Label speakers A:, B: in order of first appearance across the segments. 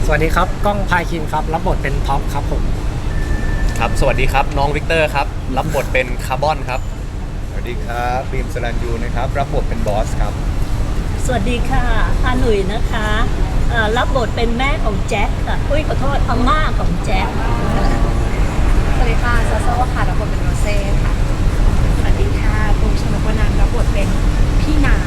A: สวัสดีครับก้องพาคินครับรับบทเป็นท็อปครับผม
B: ครับสวัสดีครับน้องวิกเตอร์ครับรับบทเป็นคาร์บอนครับ
C: สวัสดีครับบีมสรัญยูนะครับรับบทเป็นบอสครับ
D: สวัสดีค่ะอาหนุ่ยนะคะรับบทเป็นแม่ของแจ็คค่ะอุ้ยขอโทษอาม่าของแจ็ค
E: สวัสดีค่ะซาโซ่ค่ะรับบทเป็นโรเซ่ค่ะสวัสดีค่ะปุ๊กชนกวนันท์รับบทเป็นพี่นา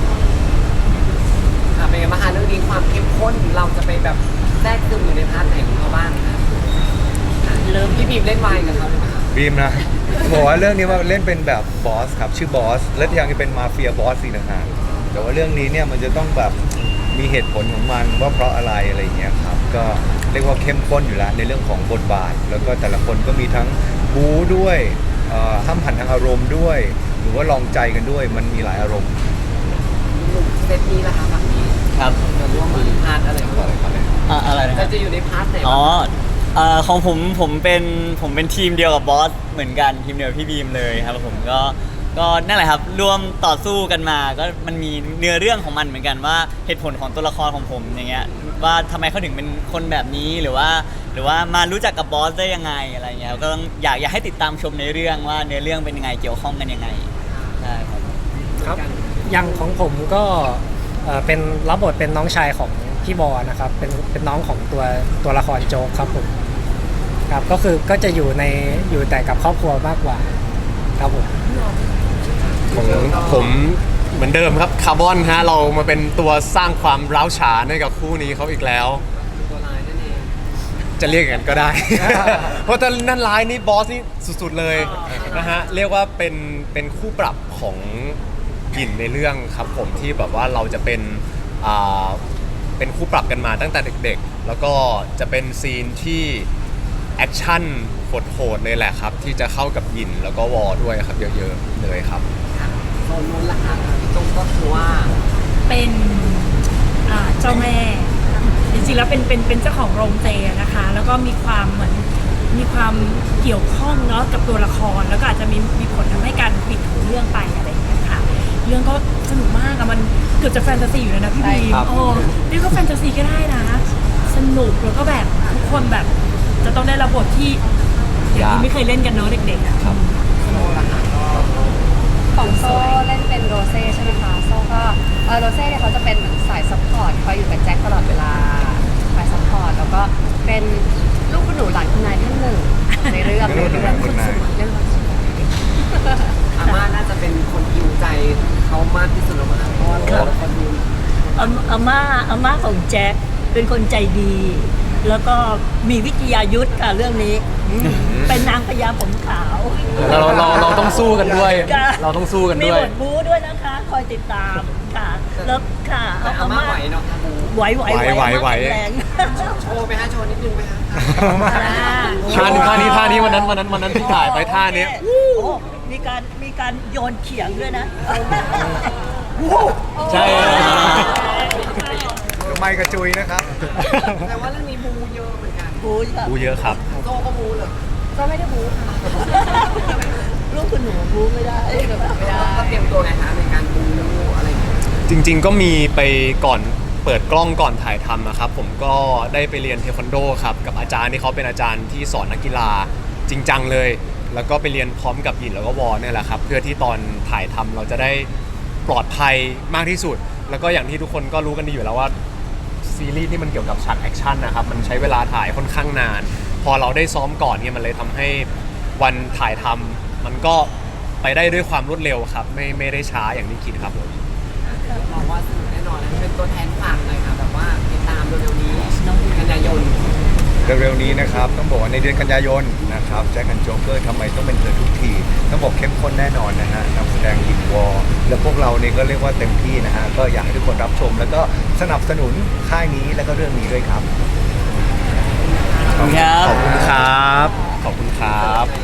F: ค่ะเป็นไงบ้างคะเรื่องนี้ความเข้มข้นเราจะไปแบบแทรกซึมอยู่ในพาร์ทไหนของเขาบ้างคะเริ่มพี่บีมเล่นวายกับเขาเลยไหมคะ
C: บีมนะบอกว่าเรื่องนี้ว่าเล่นเป็นแบบบอสครับชื่อบอสและที่ยังจะเป็นมาเฟียบอสอีกต่างหากแต่ว่าเรื่องนี้เนี่ยมันจะต้องแบบมีเหตุผลของมันว่าเพราะอะไรอะไรอย่างเงี้ยครับก็เรียกว่าเข้มข้นอยู่แล้วในเรื่องของบทบาทแล้วก็แต่ละคนก็มีทั้งบู๊ด้วยห้ามหันทางอารมณ์ด้วยหรือว่าลองใจกันด้วยมันมีหลายอารมณ์
F: หนุ่มเซตนี้ล่ะคะฝั่งนี้
G: ครับ
F: จะร่วมมือพาร์ทอะไรก่อนเลย
G: อะไรนะ
F: จะอยู่ในพาร์ทไหน
G: ของผมเป็นทีมเดียวกับบอสเหมือนกันทีมเดียวกับพี่บีมเลยครับผมก็นั่นแหละครับร่วมต่อสู้กันมาก็มันมีเนื้อเรื่องของมันเหมือนกันว่าเหตุผลของตัวละครของผมอย่างเงี้ยว่าทำไมเขาถึงเป็นคนแบบนี้หรือว่ามารู้จักกับบอสได้ยังไงอะไรเงี้ยก็ต้องอยากให้ติดตามชมในเรื่องว่าเนื้อเรื่องเป็นยังไงเกี่ยวข้องกันยังไงใช่ครับ
A: ครับอย่างของผมก็เป็นรับบทเป็นน้องชายของพี่บอนะครับเป็นน้องของตัวละครโจ๊กครับผมครับก็จะอยู่แต่กับครอบครัวมากกว่าครับผม
B: ของผมเหมือนเดิมครับคาร์บอนฮะเรามาเป็นตัวสร้างความร้าวฉานให้กับคู่นี้เขาอีกแล้ว
F: ตัวลายนั่นเอง
B: จะเรียกอย่างนั้นก็ได้ เพราะถ้านั่นร้ายนี่บอสนี่สุดๆเลยนะฮะเรียกว่าเป็นคู่ปรับของหยินในเรื่องครับผมที่แบบว่าเราจะเป็นคู่ปรับกันมาตั้งแต่เด็กๆแล้วก็จะเป็นซีนที่แอคชั่นโหดๆเลยแหละครับที่จะเข้ากับหยินแล้วก็วอด้วยครับเยอะๆเลยครับ
F: โซนนู้นล่ะคะพี่ตุ้มก็คือว่า
E: เป็นเจ้าแม่จริงๆแล้วเป็นเจ้าของโรงเจนะคะแล้วก็มีความเหมือนมีความเกี่ยวข้องเนาะกับตัวละครแล้วก็อาจจะมีผลทำให้การปิดเรื่องไปอะไรอย่างเงี้ยค่ะเรื่องก็สนุกมากอะมันเกือบจะแฟนตาซีอยู่เลยนะพี่บีมเรียกว่าแฟนตาซีก็ได้นะสนุกแล้วก็แบบทุกคนแบบจะต้องได้รับบทที่อย่างที่ไม่เคยเล่นกันเนาะเด็กๆอะครับ
F: โซล่ะคะ
E: ของโซ่เล่นเป็นโรเซ่ใช่ไหมคะโซ่ก็โรเซ่เนี่ยเขาจะเป็นเหมือนสายซัพพอร์ตคอยอยู่กับแจ็คตลอดเวลาสายซัพพอร์ตแล้วก็เป็นลูกคุณหนูหลานคุณนายท่านหนึ่งในเรื่อง
C: คุณนาย
F: อาม่าน่าจะเป็นคนฮิวใจเขามากที่สุดแล้วมั้งเพราะว่าเราคนฮิว
D: อาม่าของแจ็คเป็นคนใจดี แล้วก็มีวิทยายุทธ์ค่ะเรื่องนี้เป็นนางพญาผมขาว
B: เราต้องสู้กันด้วยเราต้องสู้กันด้วย
D: มีบทบู๊ด้วยนะคะคอยติดตามค่ะแล้วค่ะ
F: อาม่าไหวเนาะค่ะ
D: ไหวแรง
F: โชว์ไปฮะโชว์นิดนึงไหมฮะ
B: ท่านี้วันนั้นที่ถ่ายไปท่านี้
D: มีการโยนเขียงด้วยนะ
B: ใช่
C: ไมค์กระจุยนะครับ
F: แต่ว่าเรื่องนี้บูเยอะเหมือนกัน
B: บูเยอะครับ
F: โตก็บูเลย
E: ก็ไม่ได้บูค่ะ
D: ลูกคุณหนูบูไม่ได้
F: ก็เตรียมตัวไงคะในการบูอะไรอย่างเงี้ย
B: จริงๆก็มีไปก่อนเปิดกล้องก่อนถ่ายทำนะครับผมก็ได้ไปเรียนเทควันโดครับกับอาจารย์ที่เขาเป็นอาจารย์ที่สอนนักกีฬาจริงจังเลยแล้วก็ไปเรียนพร้อมกับหยินแล้วก็วอเนี่ยแหละครับเพื่อที่ตอนถ่ายทำเราจะได้ปลอดภัยมากที่สุดแล้วก็อย่างที่ทุกคนก็รู้กันดีอยู่แล้วว่าซีรีส์ที่มันเกี่ยวกับฉากแอคชั่นนะครับมันใช้เวลาถ่ายค่อนข้างนานพอเราได้ซ้อมก่อนเนี่ยมันเลยทำให้วันถ่ายทำมันก็ไปได้ด้วยความรวดเร็วครับไม่ได้ช้าอย่างที่คิดครับผม
F: บอกว่าสนุกแน่นอนเป็นตัวแทนฝากเลยค่ะแบบว่าติดตามเร็วๆนี้กันยายน
C: เร็วๆนี้นะครับต้องบอกว่าในเดือนกันยายนนะครับแจ็คกันโจ๊กเกอร์ทำไมต้องเป็นเธอทุกทีต้องบอกเข้มข้นแน่นอนนะฮะนำแสดงหยินวอและพวกเราเนี่ยก็เรียกว่าเต็มที่นะฮะก็อยากให้ทุกคนรับชมแล้วก็สนับสนุนค่ายนี้แล้วก็เรื่องนี้ด้วยครับ
B: ขอบคุณครับขอบคุณครับ